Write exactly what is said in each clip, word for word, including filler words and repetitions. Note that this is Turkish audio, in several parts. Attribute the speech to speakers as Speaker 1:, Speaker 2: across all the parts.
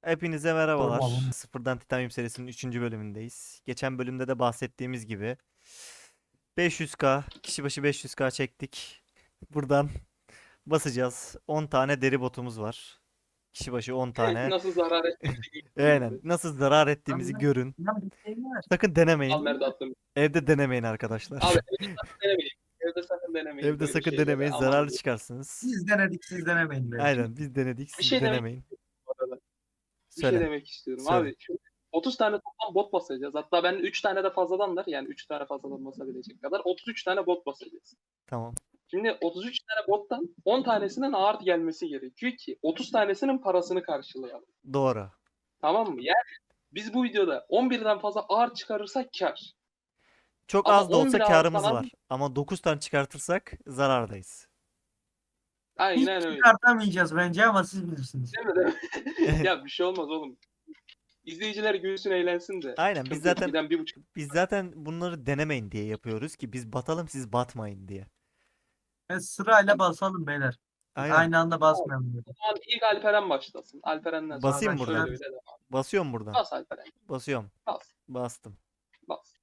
Speaker 1: Hepinize merhabalar.
Speaker 2: Sormalım.
Speaker 1: Sıfırdan Titanium serisinin üçüncü bölümündeyiz. Geçen bölümde de bahsettiğimiz gibi beş yüz K, kişi başı beş yüz K çektik. Buradan basacağız. on tane deri botumuz var. Kişi başı on tane.
Speaker 3: Nasıl zarar ettiğimizi
Speaker 1: Aynen.
Speaker 3: görüyoruz.
Speaker 1: Nasıl zarar
Speaker 2: Abi
Speaker 1: ettiğimizi
Speaker 2: ben,
Speaker 1: görün.
Speaker 2: ben bir şey var.
Speaker 1: Sakın
Speaker 3: Al
Speaker 1: denemeyin.
Speaker 3: Merda attım.
Speaker 1: Evde denemeyin arkadaşlar.
Speaker 3: Abi evde sakın denemeyin. Evde sakın denemeyin
Speaker 1: Evde
Speaker 3: böyle
Speaker 1: sakın
Speaker 3: şeyleri.
Speaker 1: denemeyin.
Speaker 3: Aman
Speaker 1: Zararlı
Speaker 3: diyeyim.
Speaker 1: çıkarsınız.
Speaker 2: Siz denedik siz denemeyin belki.
Speaker 1: Aynen. Biz denedik.
Speaker 3: Bir
Speaker 1: Siz
Speaker 3: şey demek
Speaker 1: denemeyin.
Speaker 3: bu arada. Bir şey
Speaker 1: Söyle.
Speaker 3: demek istiyorum.
Speaker 1: Söyle.
Speaker 3: Abi şu otuz tane toplam bot basacağız. Hatta ben üç tane de fazladanlar. Yani üç tane fazladan basabilecek kadar otuz üç tane bot basacağız.
Speaker 1: Tamam.
Speaker 3: Şimdi otuz üç tane bottan on tanesinin ağır gelmesi gerekiyor ki otuz tanesinin parasını karşılayalım.
Speaker 1: Doğru.
Speaker 3: Tamam mı? Yani biz bu videoda on birden fazla ağır çıkarırsak kar.
Speaker 1: Çok
Speaker 3: Ama
Speaker 1: az da
Speaker 3: on
Speaker 1: olsa
Speaker 3: bir
Speaker 1: karımız
Speaker 3: ağırdan
Speaker 1: var. Ama dokuz tane çıkartırsak zarardayız.
Speaker 2: Hiç
Speaker 3: Aynen öyle.
Speaker 2: çıkartamayacağız bence ama siz bilirsiniz.
Speaker 3: Değil mi? Değil mi? Ya bir şey olmaz oğlum. İzleyiciler gülsün eğlensin de.
Speaker 1: Aynen, biz
Speaker 3: Sıkıntı yok.
Speaker 1: zaten
Speaker 3: Birden bir buçuk.
Speaker 1: biz zaten bunları denemeyin diye yapıyoruz ki biz batalım, siz batmayın diye.
Speaker 2: Ve sırayla basalım beyler.
Speaker 1: Aynen.
Speaker 2: Aynı anda basmayalım. Böyle.
Speaker 3: O zaman ilk Alperen başlasın. Alperen'den sonra
Speaker 1: Basayım
Speaker 3: ben
Speaker 1: buradan.
Speaker 3: şöyle öyle devam.
Speaker 1: Basıyorum buradan.
Speaker 3: Bas Alperen.
Speaker 1: Basıyorum.
Speaker 3: Bas.
Speaker 1: Bastım.
Speaker 3: Bas.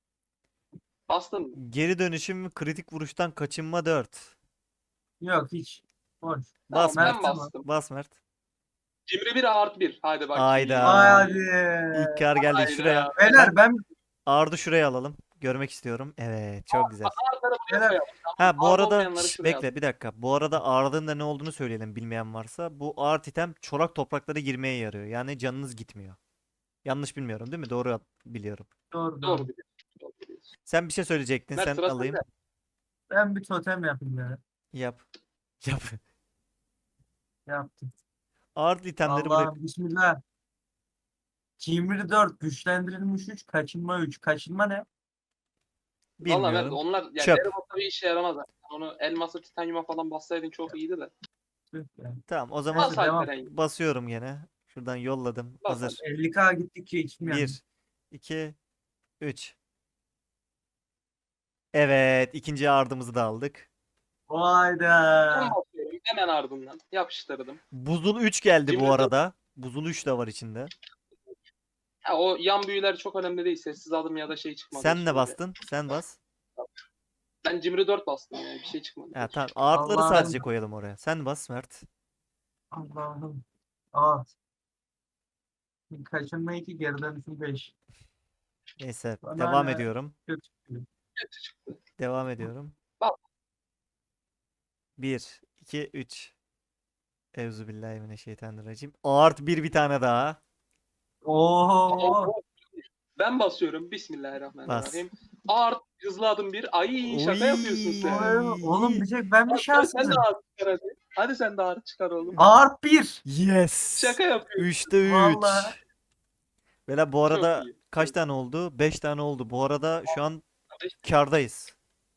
Speaker 3: Bastın mı?
Speaker 1: Geri dönüşüm ve kritik vuruştan kaçınma dört.
Speaker 2: Yok hiç. Boş.
Speaker 1: Bas
Speaker 3: Tamam,
Speaker 1: Mert.
Speaker 3: ben bastım.
Speaker 1: Bas Mert.
Speaker 3: Cimri bir artı bir. Hadi bak.
Speaker 1: Ayda.
Speaker 2: Hadi.
Speaker 1: İlk kar geldi
Speaker 3: Hayda.
Speaker 1: şuraya.
Speaker 2: Beyler ben
Speaker 1: Ardı şuraya alalım. Görmek istiyorum. Evet, çok güzel.
Speaker 3: Artları buraya
Speaker 2: Beyler,
Speaker 3: koyalım.
Speaker 1: Ha bu
Speaker 3: Ağır
Speaker 1: arada
Speaker 3: olmayanları
Speaker 1: şş,
Speaker 3: şuraya
Speaker 1: bekle bir dakika. Bu arada ağırlığın da ne olduğunu söyleyelim bilmeyen varsa. Bu ağır item çorak topraklara girmeye yarıyor. Yani canınız gitmiyor. Yanlış bilmiyorum değil mi? Doğru biliyorum.
Speaker 2: doğru
Speaker 3: al.
Speaker 2: doğru.
Speaker 3: Doğru biliyorsun. Doğru biliyorsun.
Speaker 1: Sen bir şey söyleyecektin.
Speaker 3: Mert
Speaker 1: Sen
Speaker 3: sıra
Speaker 1: alayım.
Speaker 3: sende.
Speaker 2: Ben bir totem yapayım ya.
Speaker 1: Yap. Yap.
Speaker 2: Yaptım.
Speaker 1: Ağır itemleri buraya.
Speaker 2: Allah'ım bismillah. Cimri dört güçlendirilmiş üç kaçınma üç. Kaçınma ne?
Speaker 3: Valla Mert
Speaker 1: Bilmiyorum.
Speaker 3: onlar yani
Speaker 1: Çöp.
Speaker 3: deri botta bir işe yaramaz. Yani. Onu elması titanyuma falan bassaydın çok iyiydi de.
Speaker 2: Tüh ya.
Speaker 1: Tamam, o zaman
Speaker 3: Bas
Speaker 2: devam.
Speaker 3: Alperen.
Speaker 1: basıyorum gene. Şuradan yolladım.
Speaker 3: Bas
Speaker 1: Hazır.
Speaker 2: elli k gittikçe içim yandı.
Speaker 1: bir, iki, üç. Evet, ikinci ardımızı da aldık.
Speaker 3: Ben
Speaker 2: Hayda.
Speaker 3: basıyorum. Hemen ardından. Yapıştırdım.
Speaker 1: Buzul üç geldi
Speaker 3: Cimri
Speaker 1: bu
Speaker 3: dört.
Speaker 1: arada. Buzul üç de var içinde.
Speaker 3: Ha, o yan büyüler çok önemli değil. Sessiz adım ya da şey çıkmadı.
Speaker 1: Sen ne
Speaker 3: Şöyle.
Speaker 1: bastın? Sen bas.
Speaker 3: Ben Cimri dört bastım yani. Bir şey çıkmadı.
Speaker 1: Ha, tamam. Ağırtları
Speaker 2: Allah'ım.
Speaker 1: sadece koyalım oraya. Sen bas Mert.
Speaker 2: Allah'ım. Aa. Kaçınma iki geri dönüşüm beş.
Speaker 1: Neyse,
Speaker 2: Bana
Speaker 1: devam
Speaker 2: hala
Speaker 1: ediyorum.
Speaker 2: kötü çıkıyor.
Speaker 3: Kötü çıktı.
Speaker 1: Devam ediyorum.
Speaker 3: Bak.
Speaker 1: bir, iki, üç. Euzubillahimineşşeytanirracim. Ağırt bir bir tane daha.
Speaker 2: Oo.
Speaker 3: Ben basıyorum. Bismillahirrahmanirrahim. Art hızlı adım bir. Ay şaka
Speaker 1: Oy.
Speaker 3: yapıyorsun sen.
Speaker 2: Oğlum bir tek ben mi
Speaker 3: Hadi sen de
Speaker 2: şanssızım?
Speaker 3: ağır çıkar hadi. Hadi sen de ağır çıkar oğlum.
Speaker 2: Art bir.
Speaker 1: Yes.
Speaker 3: Şaka yapıyorsun.
Speaker 1: üçte üç.
Speaker 2: Vallahi.
Speaker 1: Bela bu arada
Speaker 3: Çok iyi.
Speaker 1: kaç
Speaker 3: Çok
Speaker 1: tane oldu? beş tane oldu. Bu arada şu an
Speaker 3: iyi.
Speaker 1: kârdayız.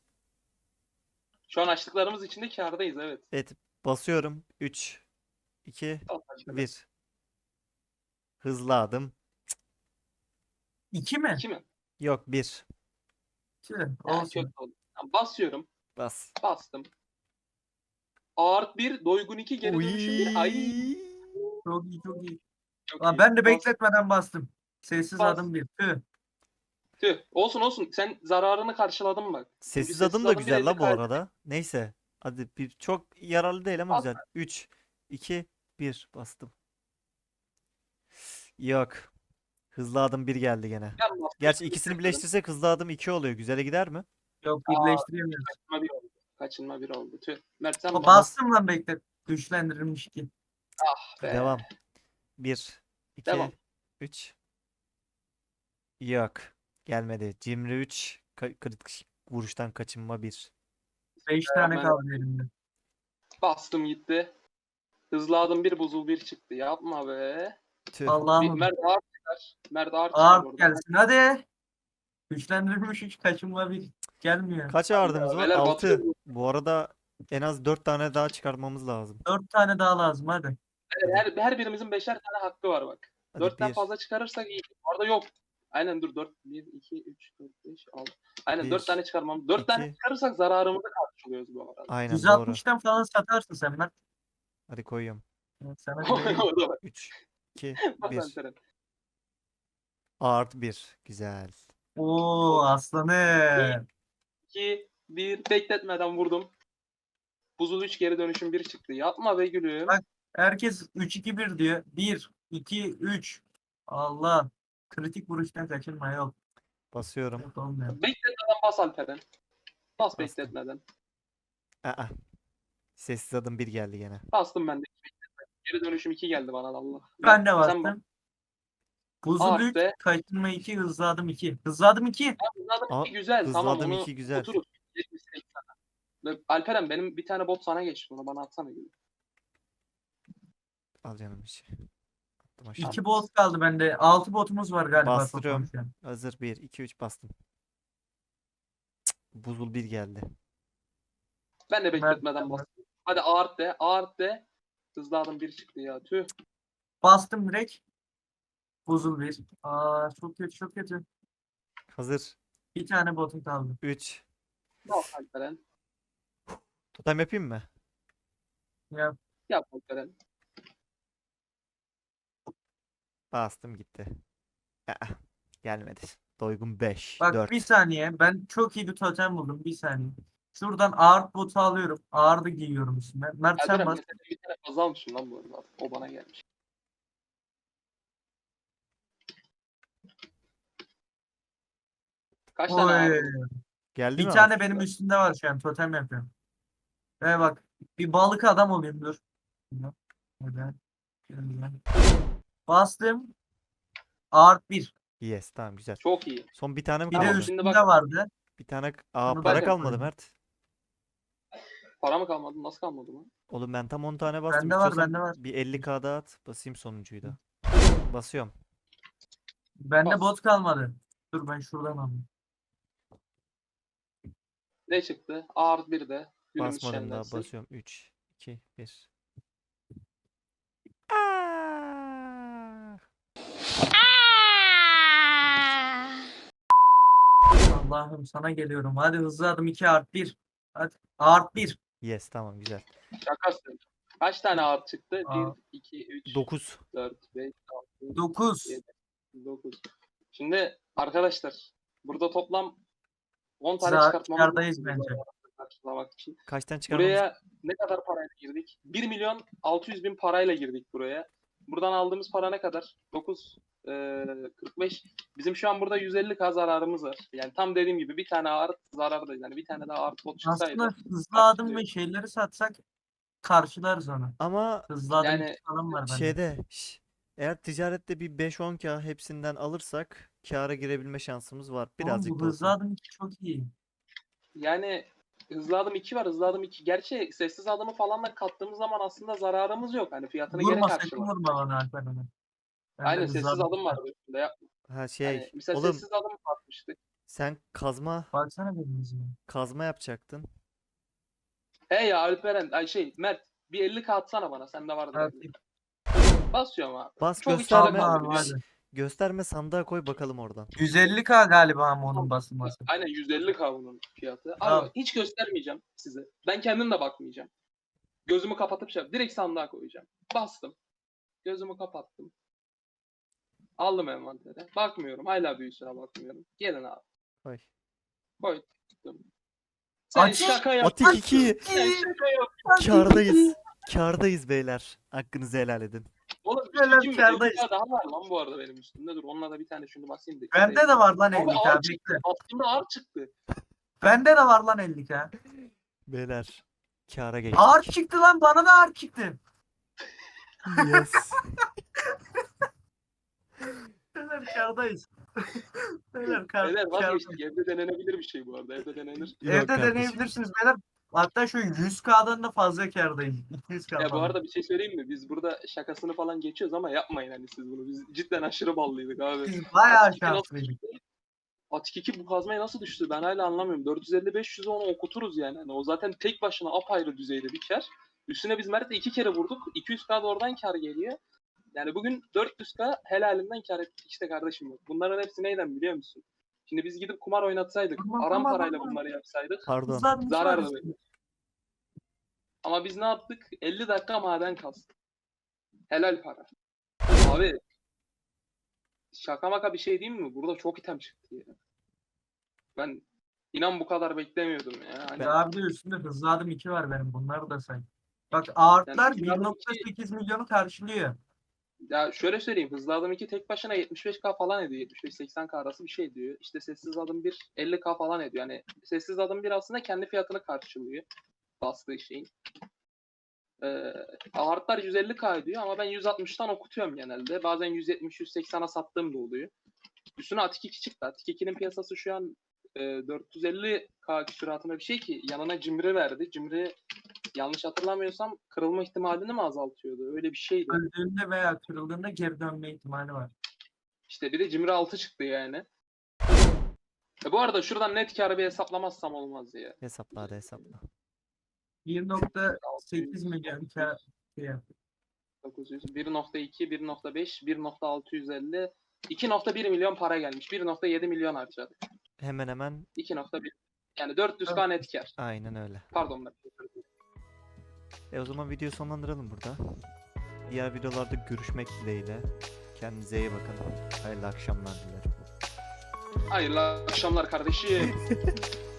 Speaker 3: Şu an açtıklarımız içinde kârdayız evet.
Speaker 1: Evet, basıyorum. üç, iki,
Speaker 3: Al başla.
Speaker 1: bir. Hızlı adım.
Speaker 2: İki mi?
Speaker 3: İki mi?
Speaker 1: Yok, bir.
Speaker 2: Tüh,
Speaker 3: Ha,
Speaker 2: olsun.
Speaker 3: kötü oldu. Tamam, basıyorum.
Speaker 1: Bas.
Speaker 3: Bastım. Ağırt bir, doygun iki, geri dönüşüm bir. Ay.
Speaker 1: Uy.
Speaker 2: Çok iyi çok iyi.
Speaker 3: Çok
Speaker 2: Lan
Speaker 3: iyi.
Speaker 2: ben de
Speaker 3: Bas.
Speaker 2: bekletmeden bastım. Sessiz
Speaker 3: Bas.
Speaker 2: adım bir. Tüh.
Speaker 3: Tüh. Olsun olsun. Sen zararını karşıladın bak. Çünkü
Speaker 1: Sessiz adım da
Speaker 3: bir
Speaker 1: güzel
Speaker 3: elde
Speaker 1: la bu
Speaker 3: kaybettin.
Speaker 1: arada. Neyse. Hadi bir çok yararlı değil ama
Speaker 3: Bas.
Speaker 1: güzel. üç, iki, bir bastım. Yok. Hızlı adım bir geldi gene.
Speaker 3: Ben bastım.
Speaker 1: Gerçi ikisini birleştirsek hızlı adım iki oluyor. Güzele gider mi?
Speaker 2: Yok
Speaker 3: Aa,
Speaker 2: birleştiremiyoruz.
Speaker 3: Kaçınma bir oldu. Kaçınma bir oldu. Tüh. Mert sen
Speaker 2: O
Speaker 3: bas.
Speaker 2: bastım lan beklet. Güçlendirilmiş ki.
Speaker 3: Ah be.
Speaker 1: Devam. bir, iki,
Speaker 3: Devam.
Speaker 1: üç. Yok. Gelmedi. Cimri üç. Ka- kritik vuruştan kaçınma bir.
Speaker 2: Beş
Speaker 3: Devam,
Speaker 2: tane
Speaker 3: ben-
Speaker 2: kaldı elimde.
Speaker 3: Bastım gitti. Hızlı adım bir, buzul bir çıktı. Yapma be.
Speaker 1: Tüh.
Speaker 3: Bir,
Speaker 2: Allah'ım.
Speaker 3: Mert ağır çıkar. Mert ağır çıkar
Speaker 2: Ağır
Speaker 3: orada.
Speaker 2: gelsin hadi. Güçlendirilmiş üç kaçınma bir. Gelmiyor.
Speaker 1: Kaç ağırdımız var?
Speaker 3: Beyler
Speaker 1: altı.
Speaker 3: batıyor.
Speaker 1: Bu arada en az dört tane daha çıkartmamız lazım.
Speaker 2: Dört tane daha lazım hadi.
Speaker 3: Her, her birimizin beşer tane hakkı var bak.
Speaker 1: Hadi
Speaker 3: Dörtten
Speaker 1: bir,
Speaker 3: fazla çıkarırsak iyi. Orada yok. Aynen dur. Dört. Bir, iki, üç, dört, beş, altı. Aynen
Speaker 1: Bir,
Speaker 3: dört tane çıkarmam. Dört tane
Speaker 1: iki.
Speaker 3: çıkarırsak zararımızı karşılıyoruz bu arada.
Speaker 1: Aynen doğru.
Speaker 2: yüz altmıştan falan satarsın sen Mert.
Speaker 1: Hadi koyuyorum.
Speaker 2: Evet, sana bir vereyim.
Speaker 3: Orada bak.
Speaker 1: üç, iki,
Speaker 3: Bas
Speaker 1: bir.
Speaker 3: Alperen.
Speaker 1: Art bir. Güzel.
Speaker 2: Oo aslanım.
Speaker 3: iki, bir. Bekletmeden vurdum. Buzul üç geri dönüşüm bir çıktı. Yapma be gülüm.
Speaker 2: Bak. Herkes üç iki bir diyor. bir, iki, üç. Allah. Kritik vuruştan kaçırma yok.
Speaker 1: Basıyorum.
Speaker 2: Yok olmuyor.
Speaker 3: Bekletmeden bas Alperen. Bas
Speaker 1: Bastım.
Speaker 3: bekletmeden.
Speaker 1: Aa. Sessiz adım bir geldi gene.
Speaker 3: Bastım ben de. Geri dönüşüm iki geldi bana da Allah.
Speaker 2: Ben de
Speaker 3: Sen bak.
Speaker 2: bastım. Buzul üç,
Speaker 3: Arte.
Speaker 2: kaçırma iki, hızlı adım iki. Hızlı adım iki.
Speaker 3: Hızladım
Speaker 1: Aa,
Speaker 3: iki güzel. Tamam
Speaker 1: hızladım
Speaker 3: onu
Speaker 1: iki güzel.
Speaker 3: oturur. yetmiş seksen. Ve Alperen benim bir tane bot sana geçti. Bunu bana atsana gülüm.
Speaker 1: Al canım işi. Attım aşağı.
Speaker 2: iki bot kaldı bende. altı botumuz var galiba
Speaker 1: Bastırıyorum.
Speaker 2: toplam şu an.
Speaker 1: Hazır bir, iki, üç bastım. Cık, Buzul bir geldi.
Speaker 3: Ben de
Speaker 2: Mert-
Speaker 3: bekletmeden bastım. Hadi ağırt de. Ağırt de. Hızladım bir çıktı ya. Tüh.
Speaker 2: Bastım direkt. Buzul bir. Aa çok kötü çok kötü.
Speaker 1: Hazır.
Speaker 2: Bir tane botum kaldı.
Speaker 1: üç.
Speaker 3: Al Alperen.
Speaker 1: Totem yapayım mı?
Speaker 2: Ya
Speaker 3: Yap Alperen.
Speaker 1: Bastım gitti. Aa, gelmedi. Doygun beş,
Speaker 2: bak
Speaker 1: dört.
Speaker 2: bir saniye. Ben çok iyi bir totem buldum. Bir saniye. Şuradan ağır botu alıyorum. Ağır da giyiyorum üstüne. Mert sen
Speaker 3: Alperen
Speaker 2: bas.
Speaker 3: mesela bir tane fazla almışım lan bu arada. O bana gelmiş. Kaç tane
Speaker 2: Oy.
Speaker 3: ağırdın?
Speaker 1: Geldi
Speaker 2: Bir
Speaker 1: mi
Speaker 2: tane
Speaker 1: abi?
Speaker 2: benim üstümde var şu an. Totem yapıyorum. Ve bak. Bir balık adam olayım dur. Neden? Bastım. Ağır bir.
Speaker 1: Yes, tamam güzel.
Speaker 3: Çok iyi.
Speaker 1: Son bir tane mi
Speaker 2: Bir de
Speaker 3: Tamam,
Speaker 1: kaldı?
Speaker 3: şimdi
Speaker 2: üstünde
Speaker 3: bak-
Speaker 2: vardı.
Speaker 1: Bir tane. Aa,
Speaker 2: Onu
Speaker 1: para
Speaker 3: ben
Speaker 1: kalmadı
Speaker 2: yapıyorum.
Speaker 1: Mert.
Speaker 3: Para mı kalmadı? Nasıl kalmadı lan?
Speaker 1: Oğlum ben tam on tane bastım.
Speaker 2: Bende var,
Speaker 1: İstiyorsan
Speaker 2: bende var.
Speaker 1: bir elli k daha at. Basayım sonuncuyu da. Basıyorum.
Speaker 2: Bende
Speaker 3: Bas.
Speaker 2: bot kalmadı. Dur ben şuradan alayım.
Speaker 3: Ne çıktı? Ağır bir de. Günümüz
Speaker 1: Basmadım daha.
Speaker 3: şenlensin.
Speaker 1: Basıyorum. üç, iki, bir. Aa!
Speaker 2: Allah'ım sana geliyorum. Hadi hızlı adım iki art bir. Hadi art bir.
Speaker 1: Yes, tamam güzel.
Speaker 3: Şakasın. Kaç tane ağır çıktı?
Speaker 2: Aa.
Speaker 3: bir, iki, üç,
Speaker 1: dokuz.
Speaker 3: dört, beş, altı,
Speaker 2: dokuz.
Speaker 3: yedi, dokuz. Şimdi arkadaşlar burada toplam on tane
Speaker 2: Za-
Speaker 3: çıkartmamız
Speaker 2: kârdayız
Speaker 3: lazım
Speaker 2: bence.
Speaker 3: bu arada karşılamak için.
Speaker 1: Kaçtan çıkarmamız?
Speaker 3: Buraya ne kadar parayla girdik? bir milyon altı yüz bin parayla girdik buraya. Buradan aldığımız para ne kadar? dokuz, eee, kırk beş. Bizim şu an burada yüz elli k zararımız var. Yani tam dediğim gibi bir tane ağır zarardayız. Yani bir tane daha ağır bot çıksaydı.
Speaker 2: Aslında hızlı adım
Speaker 3: karşılıyor.
Speaker 2: ve şeyleri satsak karşılarız onu.
Speaker 1: Ama
Speaker 2: Hızlı adım
Speaker 3: Yani
Speaker 2: iki falan var bende.
Speaker 1: şeyde şş, eğer ticarette bir beş on k hepsinden alırsak kâra girebilme şansımız var.
Speaker 2: Oğlum
Speaker 1: Birazcık
Speaker 2: bu
Speaker 1: da
Speaker 2: hızlı
Speaker 1: olsa.
Speaker 2: adım iki çok iyi.
Speaker 3: Yani hızlı adım iki var. Hızlı adım iki. Gerçi sessiz adımı falan da kattığımız zaman aslında zararımız yok. Hani fiyatını geri
Speaker 2: Vurma sakın
Speaker 3: karşılar.
Speaker 2: vurma bana Alper onu. Bende
Speaker 3: Aynen
Speaker 2: hızlı
Speaker 3: sessiz adım var üstünde. Ya,
Speaker 1: Ha şey,
Speaker 3: hani mesela
Speaker 1: oğlum
Speaker 3: sessiz adım atmıştık.
Speaker 1: sen kazma
Speaker 2: Baksana benim yüzüme.
Speaker 1: kazma yapacaktın.
Speaker 3: He ya Alperen, ay şey Mert bir elli k atsana bana. Sende vardır.
Speaker 2: Evet.
Speaker 3: elli. Basıyorum abi.
Speaker 1: Bas
Speaker 3: Çok
Speaker 1: gösterme.
Speaker 3: içinde kaldı.
Speaker 2: Tamam
Speaker 3: bir-
Speaker 2: hadi.
Speaker 1: Gösterme, sandığa koy bakalım oradan.
Speaker 2: yüz elli K galiba ama onun basılması.
Speaker 3: Aynen yüz elli k bunun fiyatı. Abi
Speaker 2: Tamam.
Speaker 3: hiç göstermeyeceğim size. Ben kendim de bakmayacağım. Gözümü kapatıp şey direkt sandığa koyacağım. Bastım. Gözümü kapattım. Aldım envantere. Bakmıyorum. Hala büyüsüne bakmıyorum. Gelin abi.
Speaker 1: Koy.
Speaker 3: Koydum. Sen
Speaker 2: Atik-
Speaker 3: şaka yap.
Speaker 1: Atik iki.
Speaker 3: Sen şaka yap.
Speaker 1: Kârdayız. Kârdayız beyler. Hakkınızı helal edin.
Speaker 3: Oğlum bir
Speaker 2: Helal
Speaker 3: şey mi?
Speaker 2: kârdayız.
Speaker 3: elli k daha var lan bu arada benim üstümde. Dur onunla da bir tane şunu basayım da.
Speaker 2: Bende de var lan
Speaker 3: Abi
Speaker 2: elli
Speaker 3: ağır
Speaker 2: K.
Speaker 3: çıktı.
Speaker 2: Bekle.
Speaker 3: Aslında ağır çıktı.
Speaker 2: Bende de var lan elli K.
Speaker 1: Beyler. Kâra geçtik.
Speaker 2: Ağır çıktı lan, bana da ağır çıktı.
Speaker 1: Yes.
Speaker 2: Beyler kârdayız. Beyler kâr,
Speaker 3: Beyler
Speaker 2: kârdayız.
Speaker 3: vazgeçtik. Evde denenebilir bir şey bu arada. Evde denenir.
Speaker 1: Yok
Speaker 2: Evde
Speaker 1: kardeşim.
Speaker 2: deneyebilirsiniz beyler. Hatta şu yüz K'dan da fazla kârdayız. iki yüz K
Speaker 3: Ya bu
Speaker 2: falan.
Speaker 3: arada bir şey söyleyeyim mi? Biz burada şakasını falan geçiyoruz ama yapmayın hani siz bunu. Biz cidden aşırı ballıydık abi.
Speaker 2: Biz bayağı
Speaker 3: Atik iki nasıl
Speaker 2: şanslıydık.
Speaker 3: düştü? Atik iki bu kazmaya nasıl düştü? Ben hala anlamıyorum. dört yüz elli beş yüze onu okuturuz yani. Hani o zaten tek başına apayrı düzeyde bir kar. Üstüne biz Mert'le iki kere vurduk. iki yüz k da oradan kar geliyor. Yani bugün dört yüz k helalinden kar ettik işte kardeşim. Bunların hepsi neyden biliyor musun? Şimdi biz gidip kumar oynatsaydık,
Speaker 2: Aman,
Speaker 3: aram
Speaker 2: aman,
Speaker 3: parayla
Speaker 2: aman.
Speaker 3: bunları yapsaydık
Speaker 1: Pardon.
Speaker 2: Hızlı adım
Speaker 3: zarar
Speaker 2: var.
Speaker 3: da verir. Ama biz ne yaptık? elli dakika maden kastık. Helal para. Abi şaka maka bir şey diyeyim mi? Burada çok item çıktı ya. Ben inan bu kadar beklemiyordum ya. Hani
Speaker 2: Ve abi de üstünde hızlı adım iki var benim. Bunları da say. Bak ağırtlar
Speaker 3: Yani hızlı adım iki-
Speaker 2: bir nokta sekiz milyonu karşılıyor.
Speaker 3: ya şöyle söyleyeyim. Hızlı adım iki tek başına yetmiş beş K falan ediyor. yetmiş beş seksen K arası bir şey ediyor. İşte sessiz adım bir elli K falan ediyor. Yani sessiz adım bir aslında kendi fiyatını karşılıyor. Bastığı şeyin. Ee, Ağırtlar yüz elli K ediyor ama ben yüz altmıştan okutuyorum genelde. Bazen yüz yetmiş yüz seksene sattığım da oluyor. Üstüne Atik iki çıktı. Atik ikinin piyasası şu an e, dört yüz elli K küsuratında bir şey ki yanına Cimri verdi. Cimri yanlış hatırlamıyorsam kırılma ihtimalini mi azaltıyordu? Öyle bir şeydi.
Speaker 2: Öldüğünde veya kırıldığında geri dönme ihtimali var.
Speaker 3: İşte bir de Cimri altı çıktı yani. E bu arada şuradan net karı bir hesaplamazsam olmaz ya.
Speaker 1: Hesapla hadi hesapla.
Speaker 2: bir nokta sekiz milyon kar şey yap.
Speaker 3: dokuz yüz, bir nokta iki, bir nokta beş, bir nokta altı yüz elli, iki nokta bir milyon para gelmiş. bir nokta yedi milyon harcadık.
Speaker 1: Hemen hemen
Speaker 3: iki nokta bir. Yani dört yüz K net kar.
Speaker 1: aynen öyle.
Speaker 3: Pardon ben.
Speaker 1: E o zaman videoyu sonlandıralım burada. Diğer videolarda görüşmek dileğiyle. Kendinize iyi bakın. Hayırlı akşamlar dilerim.
Speaker 3: Hayırlı akşamlar kardeşim.